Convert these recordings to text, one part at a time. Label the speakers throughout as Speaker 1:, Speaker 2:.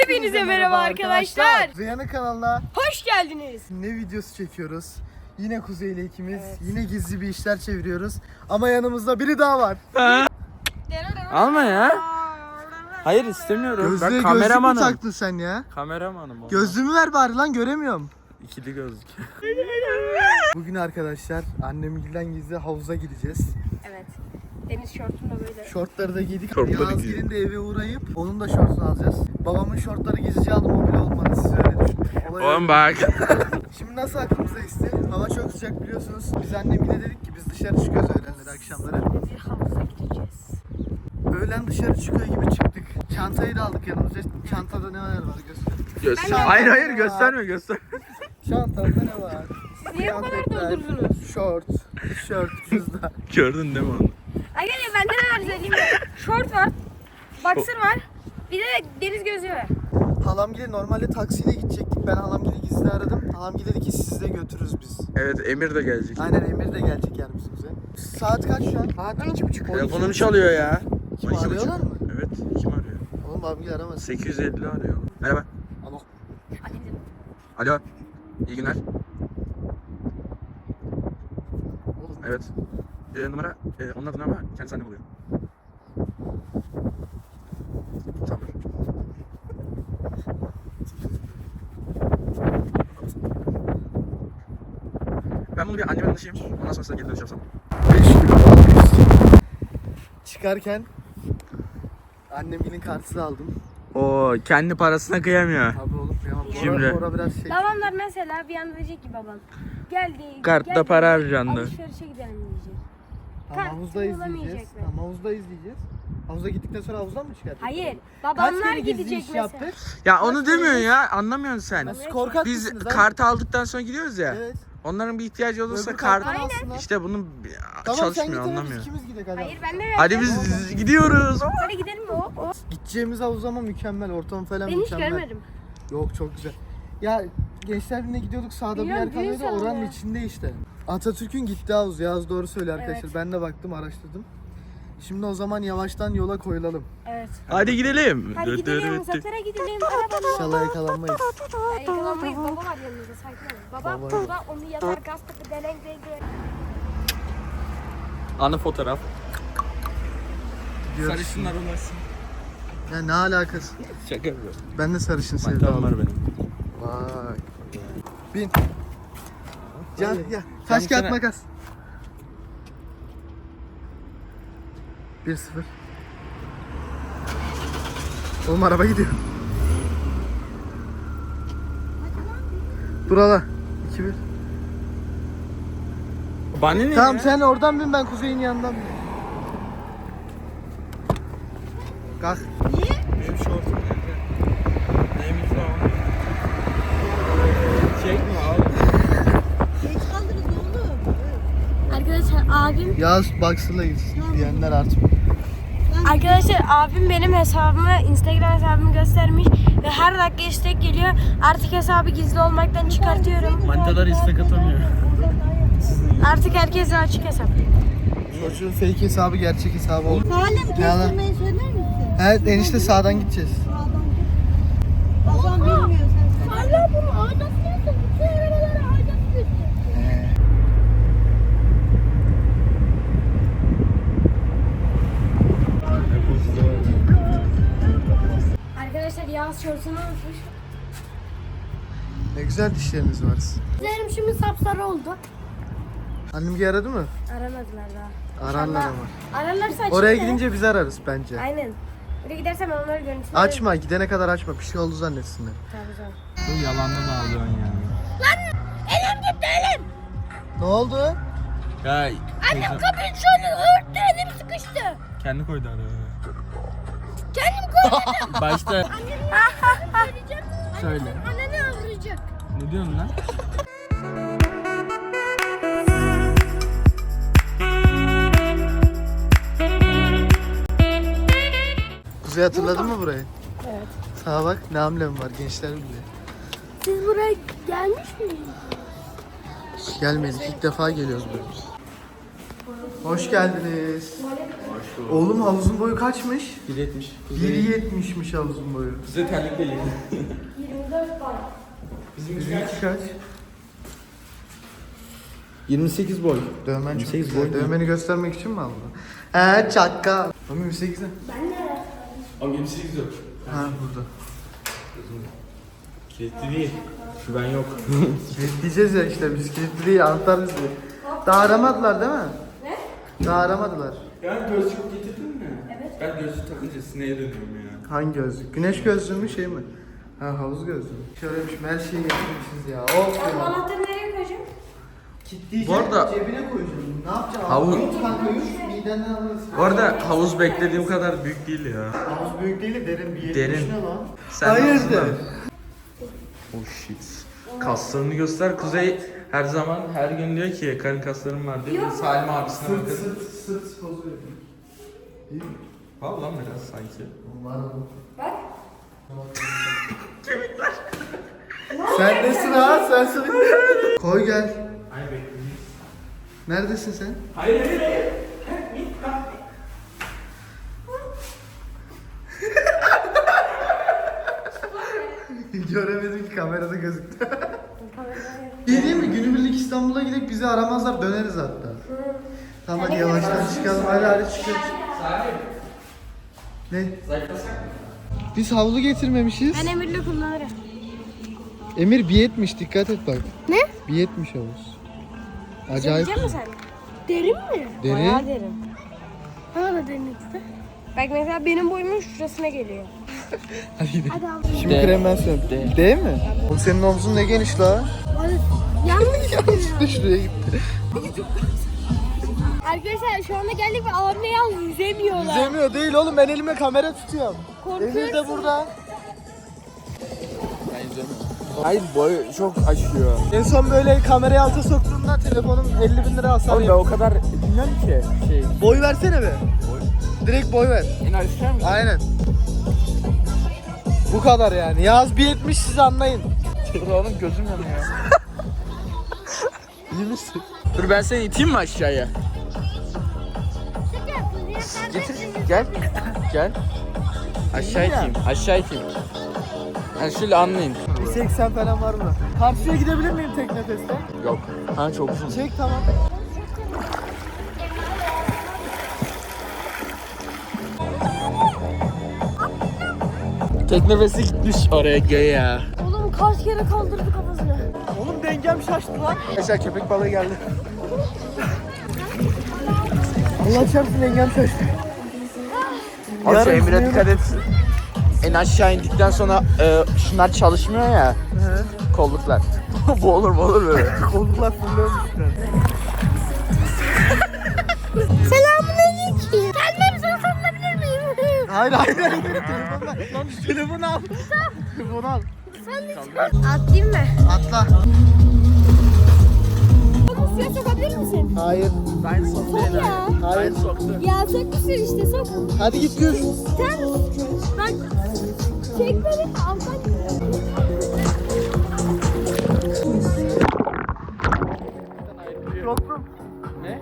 Speaker 1: Hepinize merhaba arkadaşlar.
Speaker 2: Rüyanın kanalına
Speaker 1: Hoş geldiniz.
Speaker 2: ne videosu çekiyoruz? Yine Kuzey ile ikimiz.
Speaker 1: Evet.
Speaker 2: Yine gizli bir işler çeviriyoruz. Ama yanımızda biri daha var.
Speaker 3: Alma ya. Hayır istemiyorum.
Speaker 2: Gözlüğe
Speaker 3: Ben
Speaker 2: gözlük mü
Speaker 3: kameramanım.
Speaker 2: taktın sen ya?
Speaker 3: Kameramanım. oğlum.
Speaker 2: Gözlüğümü ver bari lan, göremiyorum.
Speaker 3: İkili gözlük.
Speaker 2: Bugün arkadaşlar annemgilden gizli havuza gideceğiz.
Speaker 1: Evet. Deniz şortunda böyle.
Speaker 2: Şortları da giydik.
Speaker 3: Şortları
Speaker 2: Yazgir'in de eve uğrayıp onun da şortunu alacağız. Babamın şortları gizlice aldım, o bile olmadı, siz öyle düşünün. Olay
Speaker 3: Oğlum
Speaker 2: öyle.
Speaker 3: bak.
Speaker 2: Şimdi nasıl aklımıza esti? Hava çok sıcak biliyorsunuz. Biz annemle dedik ki biz dışarı çıkıyoruz öğlenleri, akşamları.
Speaker 1: Bir havuza gideceğiz.
Speaker 2: Öğlen dışarı çıkıyor gibi çıktık. Çantayı da aldık yanımıza. Çantada ne var göster.
Speaker 3: Göster.
Speaker 2: Ben de-
Speaker 3: Hayır gösterme göster.
Speaker 2: Çantamda ne var?
Speaker 1: Siz niye bu kadar
Speaker 2: Kıyafetler,
Speaker 1: doldurdunuz?
Speaker 2: Şort, tişört, cüzdan.
Speaker 3: Gördün değil mi onu?
Speaker 1: Arkadaşlar bende ne var söyleyeyim mi? Şort var. Boxer var. Bir de deniz gözlüğü var.
Speaker 2: Halamgil'e normalde taksiyle gidecektik. Ben halamgil'i gizli aradım. Halamgil dedi ki sizi de götürürüz biz.
Speaker 3: Evet Emir de gelecek.
Speaker 2: Aynen, Emir de gelecek yani bizimize. Saat kaç şu an? Saat 12.30.
Speaker 3: Telefonum çalıyor ya.
Speaker 2: Kim
Speaker 3: 12.30.
Speaker 2: arıyorlar mı?
Speaker 3: Evet kim arıyor?
Speaker 2: Oğlum halamgil aramasın.
Speaker 3: 850 arıyor. Merhaba.
Speaker 2: Alo.
Speaker 3: Alo. İyi günler.
Speaker 2: Oğlum.
Speaker 3: Evet. Numara onun adına ama kendisi annem oluyor. Tamam. Ben bunu bir anneme danışayım. Ondan sonra size geri dönüş yapsam.
Speaker 2: 5 kilo almışız. Çıkarken annemgilin kartını aldım.
Speaker 3: Oo kendi parasına kıyamıyor.
Speaker 2: Abi oğlum kıyamam.
Speaker 3: Şimdi.
Speaker 2: Orada biraz şey.
Speaker 1: Babamlar mesela bir anda diyecek ki babam. Geldi.
Speaker 3: Kartta
Speaker 1: geldi,
Speaker 3: para harcandı.
Speaker 1: Alışverişe gidelim diyecek.
Speaker 2: Tamam,
Speaker 1: Kart
Speaker 2: havuzda izleyeceğiz.
Speaker 1: bulamayacak mı?
Speaker 2: Tamam, havuzda izleyeceğiz. Havuza gittikten sonra havuzdan mı çıkartacağız?
Speaker 1: Hayır.
Speaker 2: Kaç
Speaker 1: Babamlar
Speaker 2: kere gizli
Speaker 1: gidecek
Speaker 2: iş
Speaker 1: mesela.
Speaker 2: yaptık?
Speaker 3: Ya onu demiyorsun ya. Anlamıyorsun sen.
Speaker 2: Siz korkak
Speaker 3: Biz
Speaker 2: mısınız abi?
Speaker 3: kartı aldıktan sonra gidiyoruz ya.
Speaker 2: Evet.
Speaker 3: Onların bir ihtiyacı olursa
Speaker 2: Öbür
Speaker 3: kart
Speaker 2: karttan alsınlar.
Speaker 3: işte bunun
Speaker 2: Tamam,
Speaker 3: çalışmıyor
Speaker 2: sen git,
Speaker 3: anlamıyor.
Speaker 2: biz ikimiz gidelim hadi.
Speaker 1: Hayır ben de
Speaker 3: Hadi biz gidiyoruz.
Speaker 1: Hadi gidelim mi o?
Speaker 2: Gideceğimiz havuz ama mükemmel. Ortam falan
Speaker 1: Ben hiç
Speaker 2: mükemmel.
Speaker 1: görmedim.
Speaker 2: Yok, çok güzel. Ya Gençler Birliği'ne gidiyorduk, sağda bir yer
Speaker 1: Biliyorum, düğün
Speaker 2: kalıyordu, oranın
Speaker 1: salonu.
Speaker 2: içinde işte. Atatürk'ün gittiği havuz. Yağız doğru söylüyor arkadaşlar.
Speaker 1: Evet.
Speaker 2: Ben de baktım, araştırdım. Şimdi o zaman yavaştan yola koyulalım.
Speaker 1: Evet.
Speaker 3: Hadi gidelim.
Speaker 1: Hadi gidelim, uzaklara gidelim. Arabamla.
Speaker 2: İnşallah yakalanmayız.
Speaker 1: Yakalanmayız. Baba var yanımızda, sakin olun. Baba
Speaker 2: Baba.
Speaker 1: burada onu yatar gaz takı delen renk.
Speaker 3: Anı fotoğraf.
Speaker 2: Gidiyoruz.
Speaker 3: Sarışınlar olasın.
Speaker 2: Ya ne alakası?
Speaker 3: Şaka yapıyorum.
Speaker 2: Ben de sarışın
Speaker 3: Mantam
Speaker 2: sevdalım.
Speaker 3: var benim.
Speaker 2: Vay. Bin. Gel gel. Taş kağıt makas. 1-0. Oğlum araba gidiyor. Dur hala. 2-1.
Speaker 3: Bana ne
Speaker 2: Tamam
Speaker 3: ya?
Speaker 2: sen oradan bin, ben Kuzey'in yanından bin. Kalk.
Speaker 3: Benim şortum nerede? Neymiş o? Çekme abi.
Speaker 1: Arkadaşlar abim
Speaker 2: Yağız Boxer'la gitsin diyenler artmıyor.
Speaker 1: Arkadaşlar abim benim hesabımı, Instagram hesabımı göstermiş ve her dakika istek geliyor. Artık hesabı gizli olmaktan çıkartıyorum.
Speaker 3: Manitalar istek atamıyor.
Speaker 1: Artık herkese açık hesap.
Speaker 2: Çocuğun fake hesabı gerçek hesabı oldu.
Speaker 4: Salim
Speaker 2: Yalan.
Speaker 4: kestirmeyi söyler misin?
Speaker 2: Evet enişte, sağdan gideceğiz.
Speaker 4: Babam bilmiyor sen. Hala bunu aldatmıyorsun. Bütün arabaları aldatmıyorsun.
Speaker 1: Arkadaşlar Yağız şortunu unutmuş.
Speaker 2: Ne güzel dişleriniz var.
Speaker 1: Üzerim şimdi sapsarı oldu.
Speaker 2: Annem aradı mı?
Speaker 1: Aramadılar daha.
Speaker 2: Ararlar
Speaker 1: İnşallah
Speaker 2: ama.
Speaker 1: Ararlarsa açayım
Speaker 2: Oraya
Speaker 1: da.
Speaker 2: gidince biz ararız bence.
Speaker 1: Aynen. Oraya gidersem ben onları görüntülerim.
Speaker 2: Açma, gidene kadar açma. Bir şey oldu zannetsinler.
Speaker 1: Tamam tamam.
Speaker 3: Bu yalandan ağlıyorsun ya.
Speaker 2: Ne oldu?
Speaker 3: Ya
Speaker 1: Annem kapıyı şöyle örttü, elim sıkıştı.
Speaker 3: kendi koydu araya.
Speaker 1: Kendim koydum.
Speaker 3: Başta söyle.
Speaker 1: Anneni avlayacak.
Speaker 3: Ne diyorsun lan?
Speaker 2: Kuzey hatırladın mı burayı?
Speaker 1: Evet.
Speaker 2: Sağa bak, ne amblem var, Gençler Birliği.
Speaker 1: Siz buraya gelmiş miydiniz?
Speaker 2: Gelmedik, ilk defa geliyoruz böyle biz. Hoş geldiniz. Oğlum havuzun boyu kaçmış?
Speaker 3: 1.70.
Speaker 2: 1.70'miş havuzun boyu.
Speaker 3: Bize terlik değil.
Speaker 1: 24 var.
Speaker 2: Bizimki kaç?
Speaker 3: 28 boy.
Speaker 2: Dövmen çok
Speaker 3: 28
Speaker 2: güzel.
Speaker 3: boy mu?
Speaker 2: Dövmeni göstermek için mi aldın? Çakka. Oğlum 28 ne?
Speaker 3: Ama 28 yok.
Speaker 2: Ha burada.
Speaker 3: Kilitli değil. Güven yok.
Speaker 2: Kilitleyeceğiz ya işte biz kilitli değil anahtar bizde. Daha aramadılar değil mi? Ne? Daha aramadılar.
Speaker 3: Ya gözlük getirdin mi? Evet. Ben gözlük takınca sineye dönüyorum ya.
Speaker 2: Hangi gözlük? Güneş gözlüğü mü şey mi? Ha havuz gözlüğü. Şöylemiş her şeyi getirmişiz ya. Of
Speaker 1: Ben
Speaker 2: ya.
Speaker 1: anahtarı nereye koyacağım?
Speaker 2: Kilitleyeceğim.
Speaker 3: Bu arada-
Speaker 2: Cebine koyacağım. Ne yapacağım?
Speaker 3: Havuz-
Speaker 2: Yut kanka yut. Midenden alırız.
Speaker 3: Bu arada havuz beklediğim kadar büyük değil ya.
Speaker 2: Havuz büyük değil de derin bir yer.
Speaker 3: Derin.
Speaker 2: Ne lan?
Speaker 3: Sen
Speaker 2: Hayırdır?
Speaker 3: Oh shit. Kaslarını göster. Kuzey her zaman her gün diyor ki karın kaslarım var diyor. Salim abisine
Speaker 2: Sırt
Speaker 3: bakın.
Speaker 2: sırt pozu yapayım. Değil mi?
Speaker 3: Var lan biraz sanki.
Speaker 2: Var mı?
Speaker 1: Bak.
Speaker 2: Sen nesin ha? Sen sırt. Koy gel.
Speaker 3: Hayır bekleyin.
Speaker 2: Neredesin sen?
Speaker 3: Hayır hayır hayır.
Speaker 2: Göremedim ki kamerada gözüktü. İyi değil mi? Günübirlik İstanbul'a gidip bizi aramazlar döneriz hatta. Tamam hadi yavaştan çıkalım. Hadi çıkıyoruz.
Speaker 3: Salim.
Speaker 2: Ne?
Speaker 3: Zayıflasak mı?
Speaker 2: Biz havlu getirmemişiz.
Speaker 1: Ben Emir'le kullanırım.
Speaker 2: Emir 1.70 dikkat et bak.
Speaker 1: Ne?
Speaker 2: 1.70 havuz. Acayip.
Speaker 1: Yiyecek misin sen? Derin mi?
Speaker 2: Deri.
Speaker 1: Bayağı derin. Bana da derinlikte. Bak mesela benim boyumun şurasına geliyor.
Speaker 2: Hadi gidelim.
Speaker 1: Hadi al.
Speaker 2: Şimdi krem ben sen. Değil mi? Oğlum senin omzun ne geniş la?
Speaker 1: Yanlış.
Speaker 2: Yanlışlıkla şuraya gitti.
Speaker 1: Arkadaşlar şu anda geldik ve abimle yalnız yüzemiyorlar.
Speaker 2: Yüzemiyor değil oğlum ben elime kamera tutuyorum.
Speaker 1: Korkuyorsun.
Speaker 2: Emir de burada.
Speaker 3: Ben izlemiyorum. Hayır boy çok aşıyor.
Speaker 2: En son böyle kamerayı alta soktuğumda telefonum 50.000 lira hasar
Speaker 3: Oğlum ben
Speaker 2: yaptı.
Speaker 3: o kadar bilmem ki şey.
Speaker 2: Boy versene be. Direkt boy ver.
Speaker 3: En aşağı mı?
Speaker 2: Aynen. Bu kadar yani. Yaz 1.70 siz anlayın.
Speaker 3: Oğlum gözüm yanıyor.
Speaker 2: İyi misin?
Speaker 3: Dur ben seni iteyim mi aşağıya? Getir gel. Gel. Aşağı iteyim. Aşağı iteyim. Yani şöyle anlayın.
Speaker 2: 1.80 falan var mı? Karşıya gidebilir miyim tek nefeste?
Speaker 3: Yok. Ha çok uzun.
Speaker 2: Çek tamam.
Speaker 3: Tek nefesi gitmiş oraya göğe.
Speaker 1: Oğlum kaç kere kaldırdı kafasını.
Speaker 2: Oğlum dengem şaştı lan. Arkadaşlar köpek balığı geldi. Allah çarpsın dengem şaştı.
Speaker 3: Abi şu
Speaker 2: Yarın
Speaker 3: Emir'e
Speaker 2: sınıyorum.
Speaker 3: dikkat et. En aşağı indikten sonra şunlar çalışmıyor ya. Kolluklar. Bu olur mu olur böyle.
Speaker 2: Kolluklar fırlıyormuşlar.
Speaker 1: Selamünaleyküm. Kendimi sana sarılabilir miyim?
Speaker 2: Hayır hayır hayır. Telefonu ver. Lan şu telefonu al. Telefonu al.
Speaker 1: Atlayayım mı?
Speaker 2: Atla.
Speaker 1: Oğlum suya sokabilir misin?
Speaker 2: Hayır.
Speaker 3: Ben soktum
Speaker 1: Ya.
Speaker 2: Hayır.
Speaker 3: soktum.
Speaker 1: Ya sok bir sürü işte sok.
Speaker 2: Hadi git gör.
Speaker 1: Sen bak çek beni alttan.
Speaker 2: Yoktum.
Speaker 3: Ne?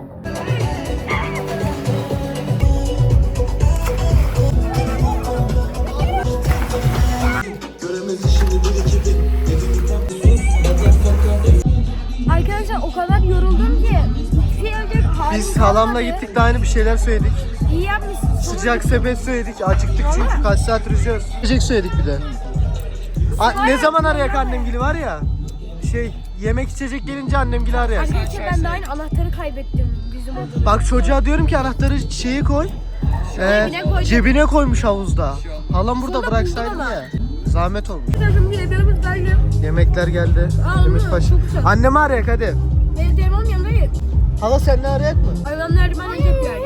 Speaker 1: Arkadaşlar o kadar yoruldum ki. Bir şey olacak halim
Speaker 2: Biz halamla
Speaker 1: kalmadı.
Speaker 2: gittik de aynı bir şeyler söyledik.
Speaker 1: İyi yapmışsın.
Speaker 2: Sıcak sepet söyledik. Acıktık çünkü kaç saat yüzüyoruz. Yiyecek söyledik bir de. Ne zaman arayak annemgili var ya. Yemek içecek gelince annemgili arayak.
Speaker 1: Arkadaşlar ben de aynı anahtarı kaybettim bizim odada.
Speaker 2: Bak çocuğa diyorum ki anahtarı şeye koy.
Speaker 1: Cebine koy.
Speaker 2: Cebine koymuş havuzda. Halam burada
Speaker 1: Sonra
Speaker 2: bıraksaydı
Speaker 1: buldum ama.
Speaker 2: ya. Zahmet olmuş.
Speaker 1: Takım diyebilirim sadece.
Speaker 2: Yemekler geldi.
Speaker 1: Aa,
Speaker 2: Demirtaş.
Speaker 1: çok güzel.
Speaker 2: Annemi arayak hadi.
Speaker 1: Benim telefonum yanımda değil.
Speaker 2: Hala sen ne arayak mı?
Speaker 1: Hayvanlar bana yapıyor.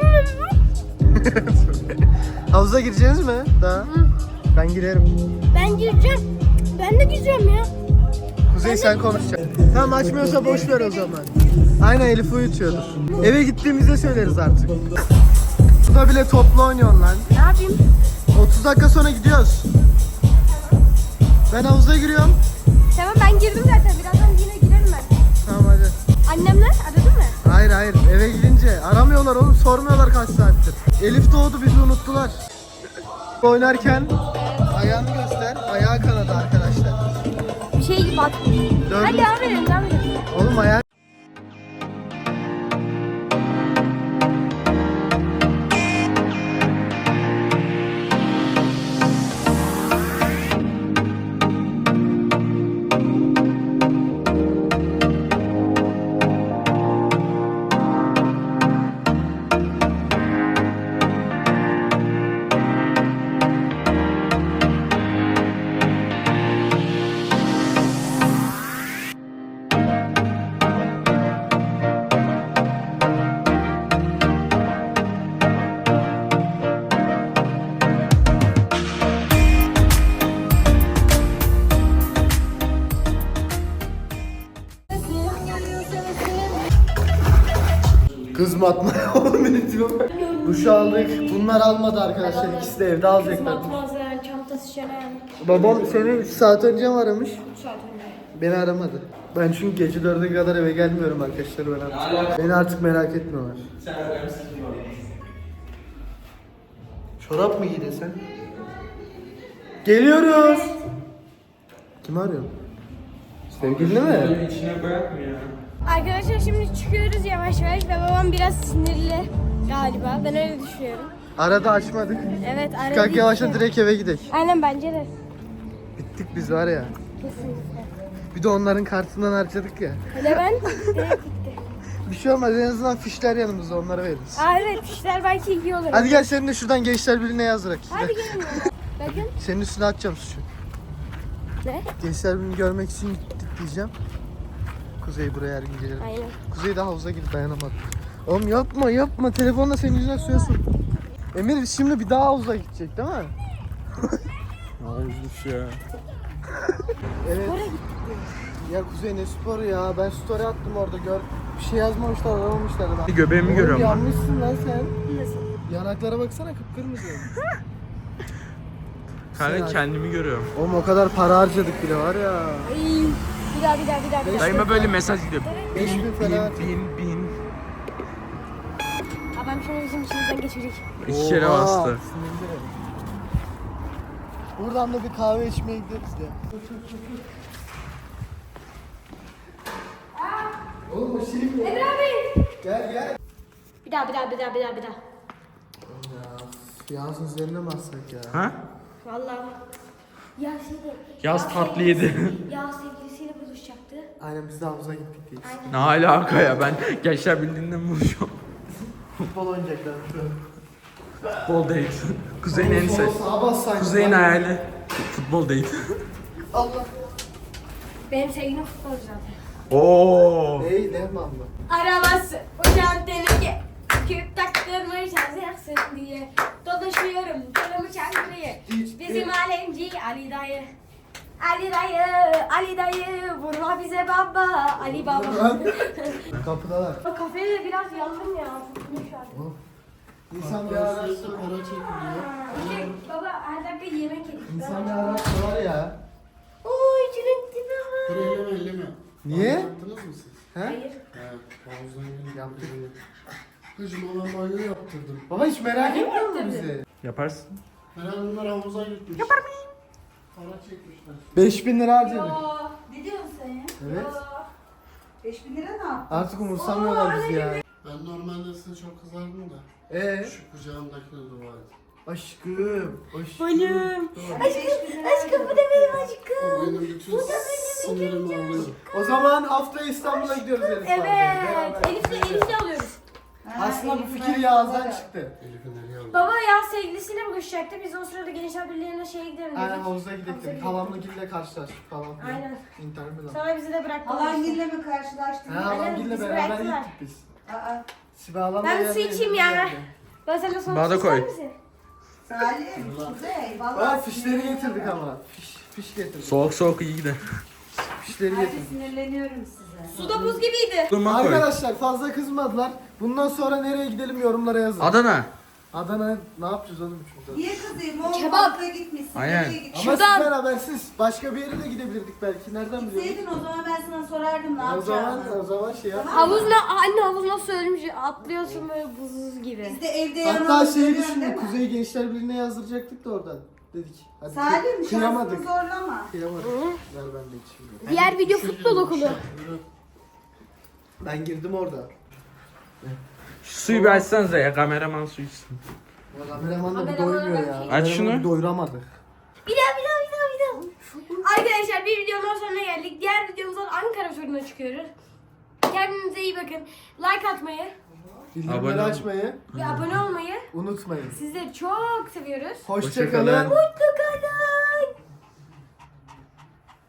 Speaker 2: Havuza gireceğiniz mi? Daha. Ben girerim.
Speaker 1: Ben gireceğim. Ben de gireceğim ya.
Speaker 2: Kuzey sen konuşacaksın. Tamam açmıyorsa boş ver o zaman. Aynen Elif uyutuyordur. Eve gittiğimizde söyleriz artık. Burada bile toplu oynuyorsun lan.
Speaker 1: Ne yapayım?
Speaker 2: 30 dakika sonra gidiyoruz. Ben havuza giriyorum.
Speaker 1: Tamam ben girdim zaten. Birazdan yine girerim ben.
Speaker 2: Tamam hadi.
Speaker 1: Annemler aradı mı?
Speaker 2: Hayır hayır, eve gidince aramıyorlar oğlum, sormuyorlar kaç saattir. Elif doğdu, bizi unuttular. Oynarken ayağını göster, ayağı kanadı arkadaşlar.
Speaker 1: Bir şey gibi atmış. Hadi devam edelim, devam edelim.
Speaker 2: Oğlum ayağı... Kızmatma oğlum, beni diyor. Duş aldık. Bunlar almadı arkadaşlar. İkisi de evde alacaklar.
Speaker 1: Batmaz yani, çantası şenen.
Speaker 2: Babam seni 3 saat önce mi aramış?
Speaker 1: 3 saat önce.
Speaker 2: Beni aramadı. Ben çünkü gece 4'e kadar eve gelmiyorum arkadaşlar, ben artık. Beni artık merak etmiyorlar. Çorap mı giydin sen? Geliyoruz. Kim arıyor? Sevgilini mi?
Speaker 3: İçine koyak mı ya?
Speaker 1: Arkadaşlar şimdi çıkıyoruz yavaş yavaş ve babam biraz sinirli galiba. Ben öyle düşünüyorum.
Speaker 2: Arada açmadık.
Speaker 1: Evet, aradı.
Speaker 2: Kalk yavaşla direkt eve gidelim.
Speaker 1: Aynen, bence de.
Speaker 2: Bittik biz var ya.
Speaker 1: Kesinlikle.
Speaker 2: Bir de onların kartından harcadık ya.
Speaker 1: Hele ben direkt gitti.
Speaker 2: Bir şey olmaz, en azından fişler yanımızda, onlara veririz.
Speaker 1: Aa evet, işler belki iyi olur.
Speaker 2: Hadi gel, senin de şuradan Gençler Birliği'ne yazdırak.
Speaker 1: Hadi gelin. Bakın.
Speaker 2: Senin üstüne atacağım suçu.
Speaker 1: Ne?
Speaker 2: Gençler Birliği'ni görmek için gittik diyeceğim. Kuzey buraya her gün gelir.
Speaker 1: Aynen.
Speaker 2: Kuzey de havuza gidip dayanamadı. Oğlum yapma yapma, telefonla senin yüzüne suya sok. Emir şimdi bir daha havuza gidecek değil mi?
Speaker 3: Ne olmuş ya?
Speaker 2: Evet. Ya Kuzey ne sporu ya, ben story attım orada, gör. Bir şey yazmamışlar, aramamışlar da.
Speaker 3: Göbeğimi
Speaker 2: Oğlum
Speaker 3: görüyorum ben.
Speaker 2: yanmışsın lan sen.
Speaker 1: Nasıl?
Speaker 2: Yanaklara baksana, kıpkırmızı.
Speaker 3: Kanka kendimi görüyorum.
Speaker 2: Oğlum o kadar para harcadık bile var ya.
Speaker 1: İyi. Bir daha.
Speaker 3: Dayıma böyle mesaj gidiyor.
Speaker 2: 5000 falan.
Speaker 3: Bin.
Speaker 1: Adam şunu bizim içimizden geçirecek.
Speaker 3: 2 kere
Speaker 2: Oha,
Speaker 3: bastı.
Speaker 2: sinirli. Buradan da bir kahve içmeye gideriz ya. Oğlum o şey mi?
Speaker 1: Emre abi.
Speaker 2: Gel.
Speaker 1: Bir daha.
Speaker 2: Ya Yağız'ın üzerine mi bassak ya?
Speaker 3: Ha?
Speaker 1: Vallahi. Ya şeyde.
Speaker 3: Yaz tatlı yedi.
Speaker 1: Ya sevgilisiyle buluşacaktı.
Speaker 2: Aynen, biz de havuza gittik diye.
Speaker 3: Ne alaka ya, ben Gençler Birliği'nden buluşuyorum.
Speaker 2: Futbol oynayacaklar şu an.
Speaker 3: Futbol değil. Kuzey'in en
Speaker 2: Sol sağa bassaydın.
Speaker 3: Kuzey'in hayali. Futbol değil.
Speaker 2: Allah.
Speaker 1: Benim sevgilim futbolcu zaten.
Speaker 3: Oo.
Speaker 2: Ney ne mı?
Speaker 1: Arabası uçan teneke. Küp taktırmış hazırsın diye. Dolaşıyorum canımı çankırıya. Bizim alemci Ali dayı. Ali dayı vurma bize baba. Ali baba.
Speaker 2: Kapıdalar.
Speaker 1: Kafede de biraz yandım ya. Tutmuş artık.
Speaker 2: İnsan bir araçta para çekiliyor.
Speaker 1: Baba her dakika yemek yedik.
Speaker 2: İnsan bir araçta var ya.
Speaker 1: Oy içinin tipi var.
Speaker 5: Elleme.
Speaker 2: Niye?
Speaker 5: Yaptınız mı siz?
Speaker 2: He?
Speaker 1: Hayır.
Speaker 5: He. Havuzdan gelip
Speaker 2: Yaptık.
Speaker 5: Kızım ona banyo yaptırdım.
Speaker 2: Baba hiç merak etmiyor musun bizi?
Speaker 3: Yaparsın.
Speaker 5: Herhalde bunlar havuza gitmiş. Yapar mıyım? Para çekmişler.
Speaker 2: 5000 lira harcadık.
Speaker 4: Aa, ne diyorsun sen ya?
Speaker 2: Evet.
Speaker 4: 5000 lira ne yaptın?
Speaker 2: Artık umursamıyorlar bizi ya.
Speaker 5: Ben normalde size çok kızardım da. Şu kucağımdakine dua et.
Speaker 2: Aşkım.
Speaker 1: Balım.
Speaker 4: Aşkım bu da benim aşkım.
Speaker 5: O benim bütün sinirimi alıyor.
Speaker 2: O zaman haftaya İstanbul'a gidiyoruz Elif abi.
Speaker 1: Evet.
Speaker 2: Beraber.
Speaker 1: Elif'le alıyoruz.
Speaker 2: Aslında bu fikir Yağız'dan çıktı.
Speaker 5: Elif'i nereye alıyor?
Speaker 1: Baba ya sevgilisiyle buluşacaktı. Biz o sırada Gençler Birliği'ne şeye gidelim dedik.
Speaker 2: Aynen havuza
Speaker 1: Havuza
Speaker 2: gidelim. Halamla Gül'le karşılaştık falan. filan.
Speaker 1: Aynen.
Speaker 2: İnter Milan.
Speaker 1: Sonra bizi de bıraktılar.
Speaker 4: Halangille mi karşılaştın?
Speaker 2: Ha, halam
Speaker 1: Aynen,
Speaker 2: Gül'le
Speaker 1: bizi
Speaker 2: beraber
Speaker 1: bıraktılar.
Speaker 2: gittik biz.
Speaker 4: Aa,
Speaker 2: Sibel halamla
Speaker 1: Ben
Speaker 2: geldi,
Speaker 1: su içeyim
Speaker 2: Elif
Speaker 1: ya.
Speaker 2: geldi.
Speaker 1: Ben sana son
Speaker 3: Bana da koy.
Speaker 4: Salim, Kuzey,
Speaker 2: Aa,
Speaker 4: vallahi
Speaker 2: fişleri getirdik ama. Fiş getirdik.
Speaker 3: Soğuk iyi gider.
Speaker 2: Fişleri
Speaker 4: Hadi
Speaker 2: getirdik.
Speaker 4: sinirleniyorum size.
Speaker 1: Suda buz gibiydi.
Speaker 3: Durma koy.
Speaker 2: Arkadaşlar fazla kızmadılar. Bundan sonra nereye gidelim yorumlara yazın.
Speaker 3: Adana.
Speaker 2: Adana'ya ne yapacağız oğlum şurada?
Speaker 6: Niye kızayım? O
Speaker 1: Kebap.
Speaker 6: bankaya gitmişsin.
Speaker 3: Aynen.
Speaker 6: Nereye gittin?
Speaker 2: Ama
Speaker 1: Şuradan-
Speaker 2: sizden habersiz. Başka bir yere de gidebilirdik belki. Nereden biliyorsun?
Speaker 6: Gitseydin o zaman ben sana sorardım ne
Speaker 2: O zaman
Speaker 6: yapacağını.
Speaker 2: şey yap.
Speaker 1: Anne havuz nasıl ölmüş? Atlıyorsun böyle buz gibi.
Speaker 6: Biz de evde
Speaker 2: Hatta
Speaker 6: yanımızda
Speaker 2: şeyi
Speaker 6: görüyorsun
Speaker 2: düşündük.
Speaker 6: değil mi?
Speaker 2: Kuzey Gençler Birliği'ne yazdıracaktık da oradan. Dedik. Hadi
Speaker 6: Salim şansını
Speaker 2: kıyamadık.
Speaker 6: zorlama.
Speaker 2: Kıyamadık. Ver ben de içeyim.
Speaker 1: Diğer video futbol okulu.
Speaker 2: Ben girdim orada.
Speaker 3: Şu suyu bir açsanıza ya, kameraman su içsin.
Speaker 2: Ya kameraman da bir
Speaker 1: Kameraman
Speaker 2: doymuyor ya.
Speaker 1: bakayım.
Speaker 3: Aç
Speaker 2: Kameramanı
Speaker 3: şunu.
Speaker 2: bir doyuramadık.
Speaker 1: Bir daha. Arkadaşlar bir videonun sonuna geldik. Diğer videomuzdan Ankara turuna çıkıyoruz. Kendinize iyi bakın. Like atmayı
Speaker 2: Bildirimleri
Speaker 3: Abone ol.
Speaker 2: açmayı
Speaker 1: ve abone olmayı
Speaker 2: unutmayın.
Speaker 1: sizleri çok seviyoruz.
Speaker 2: Hoşça
Speaker 3: Hoşça kalın.
Speaker 2: kalın.
Speaker 1: Mutlu kalın.